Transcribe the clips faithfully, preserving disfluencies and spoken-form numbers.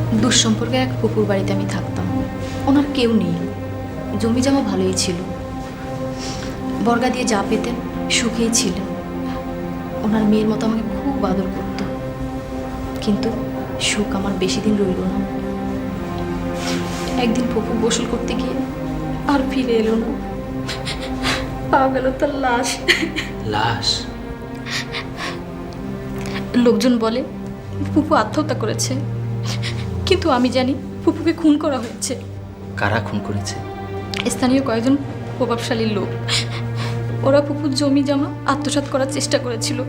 দুঃসম্পর্কে এক পুকুর বাড়িতে আমি থাকতাম। ওনার কেউ নেই, জমি জমা ভালোই ছিল, বর্গা দিয়ে যা পেতেন সুখেই ছিলেন। ওনার মেয়ের মতো আমাকে খুব আদর করত, কিন্তু সুখ আমার বেশি দিন রইল না। একদিন পুকুর গোসল করতে গিয়ে আর ফিরে এলো না, পাওয়া গেল তার লাশ। লাশ? লোকজন বলে ফুপু আত্মহত্যা করেছে, কিন্তু আমি জানি ফুপুকে খুন করা হয়েছে। কারা খুন করেছে? স্থানীয় কয়েকজন প্রভাবশালী লোক। ওরা ফুপুর জমি জমা আত্মসাৎ করার চেষ্টা করেছিল।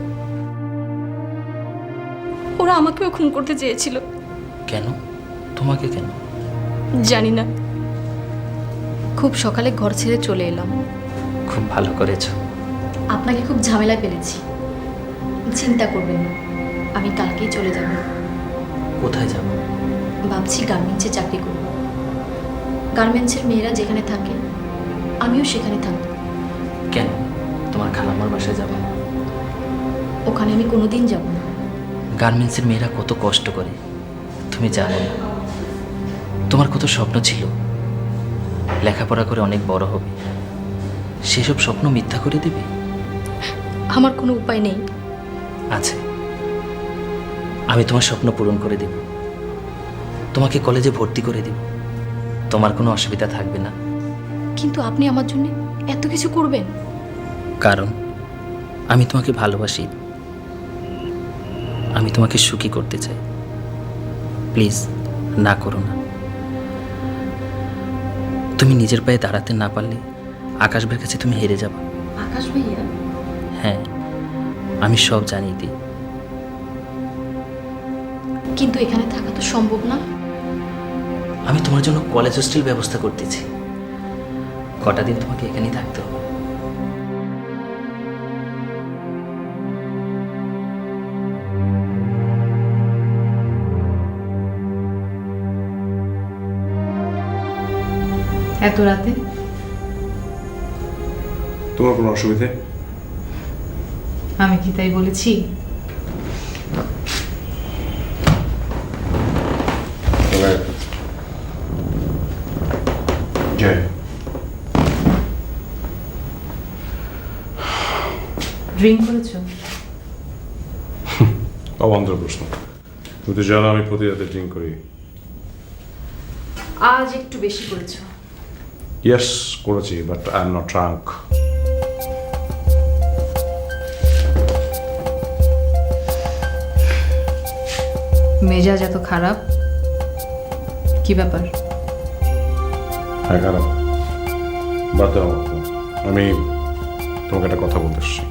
ওরা আমাকেও খুন করতে চেয়েছিল। কেন? তোমাকে কেন? জানি না। খুব সকালে ঘর ছেড়ে চলে এলাম। খুব ভালো করেছো। আপনাকে খুব ঝামেলায় ফেলেছি, চিন্তা করবেন না, আমি কালকেই চলে যাব। কোথায় যাব? ভাবছি গার্মেন্টসে চাকরি করব। গার্মেন্টসের মেয়েরা যেখানে থাকে আমিও সেখানে থাকব। কেন? তোমার খালাম্মার বাসায় যাবো? ওখানে আমি কোনোদিন যাব না। গার্মেন্টসের মেয়েরা কত কষ্ট করে তুমি জানো না? তোমার কত স্বপ্ন ছিল, লেখাপড়া করে অনেক বড় হবে, সেসব স্বপ্ন মিথ্যা করে দেবে? আমার কোনো উপায় নেই। আছে, আমি তোমার স্বপ্ন পূরণ করে দেব। তোমাকে কলেজে ভর্তি করে দেব, তোমার কোনো অসুবিধা থাকবে না। কিন্তু আপনি আমার জন্য এত কিছু করবেন? কারণ আমি তোমাকে ভালোবাসি, আমি তোমাকে সুখী করতে চাই। প্লিজ না করো না। তুমি নিজের পায়ে দাঁড়াতে না পারলে আকাশ ভাইয়ের কাছে তুমি হেরে যাবে। আকাশ ভাইয়া? হ্যাঁ, আমি সব জানিয়ে দিই। কিন্তু এখানে থাকা তো সম্ভব না। আমি তোমার জন্য কলেজ হোস্টেল ব্যবস্থা করতেছি, কটা দিন তোমাকে এখানেই থাকতে হবে। এত রাতে? তোমার কোনো অসুবিধে? আমি কি তাই বলেছি? জয়, ড্রিঙ্ক করেছো? অবান্তর প্রশ্ন। তুমি তো জানো আমি প্রতি রাতে ড্রিঙ্ক করি। আজ একটু বেশি করেছো। ইয়েস করেছি, but I am not drunk. মেজাজ এত খারাপ, কি ব্যাপার? হ্যাঁ খারাপ, বাদ দাও আমাকে। আমি তোমাকে একটা কথা বলতে এসেছি।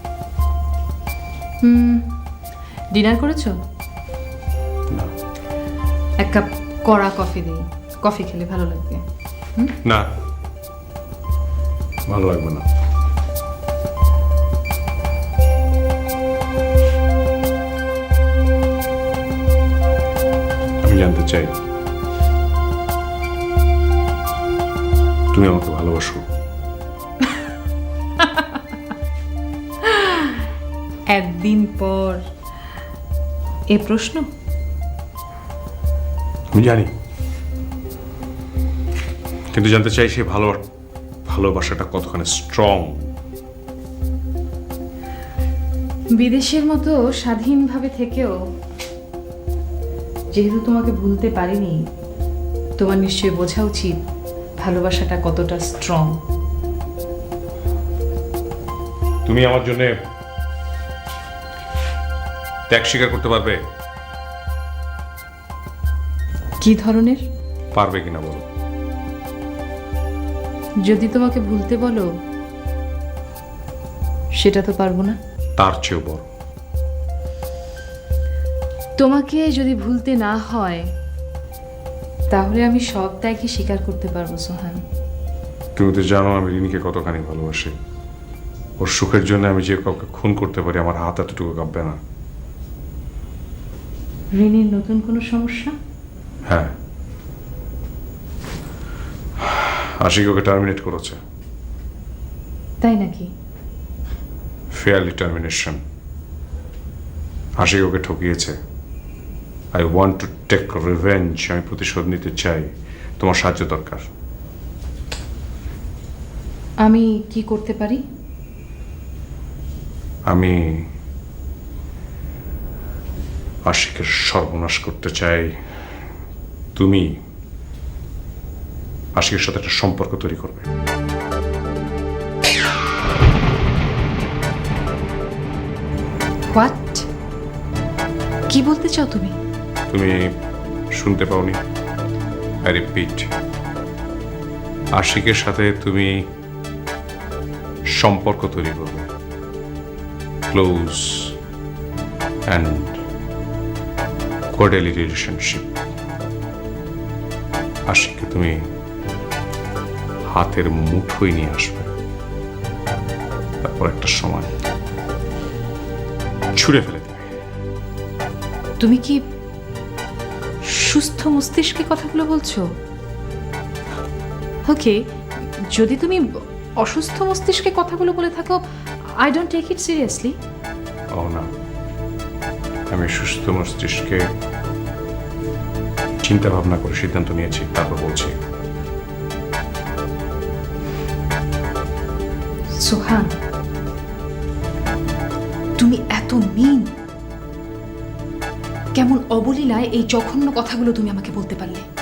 হুম, ডিনার করেছো? না। এক কাপ কড়া কফি দিই, কফি খেলে ভালো লাগবে। না, ভালো লাগবে না। আমি জানতে চাই তুমি আমাকে ভালোবাসো? একদিন পর এ প্রশ্ন? আমি জানি, কিন্তু জানতে চাই সেই ভালো ভালোবাসাটা কতখানি স্ট্রং। বিদেশের মতো স্বাধীনভাবে থেকেও যেহেতু তোমাকে ভুলতে পারিনি, তোমার নিশ্চয়ই বোঝা উচিত ভালোবাসাটা কতটা স্ট্রং। তুমি আমার জন্য ত্যাগ স্বীকার করতে পারবে? কি ধরনের? পারবে কিনা বলো। যদি তোমাকে ভুলতে বলো, সেটা তো পারবো না। তার চেয়েও বড়। তোমাকে যদি ভুলতে না হয়, তাহলে আমি সব ত্যাগই স্বীকার করতে পারবো সোহান। তুমি তো জানো আমি রিনিকে কতখানি ভালোবাসি। ওর সুখের জন্য আমি যে কাউকে খুন করতে পারি, আমার হাত এতটুকু কাঁপবে না। রিনির নতুন কোনো সমস্যা? হ্যাঁ, আশিক ওকে টার্মিনেট করেছে। তাই নাকি? Fairly termination. আশিক ওকে ঠকিয়েছে, I want to take revenge. আমি প্রতিশোধ নিতে চাই। তোমার সাহায্য দরকার। আমি কি করতে পারি? আমি আশিকের সর্বনাশ করতে চাই। তুমি আশিকের সাথে একটা সম্পর্ক তৈরি করবে। হোয়াট? কি বলতে চাও তুমি? তুমি শুনতে পাওনি? আই রিপিট, আশিকের সাথে তুমি সম্পর্ক তৈরি করবে, ক্লোজ অ্যান্ড কোয়ার্টারলি রিলেশনশিপ। আশিককে তুমি হাতের মুঠোয় নিয়ে আসবে, তারপর একটা সময় ছুঁড়ে ফেলে দেবে। তুমি কি সুস্থ মস্তিষ্কে কথাগুলো বলছো? ওকে, যদি তুমি অসুস্থ মস্তিষ্কে কথাগুলো বলে থাকো, I don't take it seriously. ও না, আমি সুস্থ মস্তিষ্কে চিন্তা ভাবনা করে সিদ্ধান্ত নিয়েছি, তারপর বলছি। সোহান, তুমি এত মিন! কেমন অবলীলায় এই জঘন্য কথাগুলো তুমি আমাকে বলতে পারলে?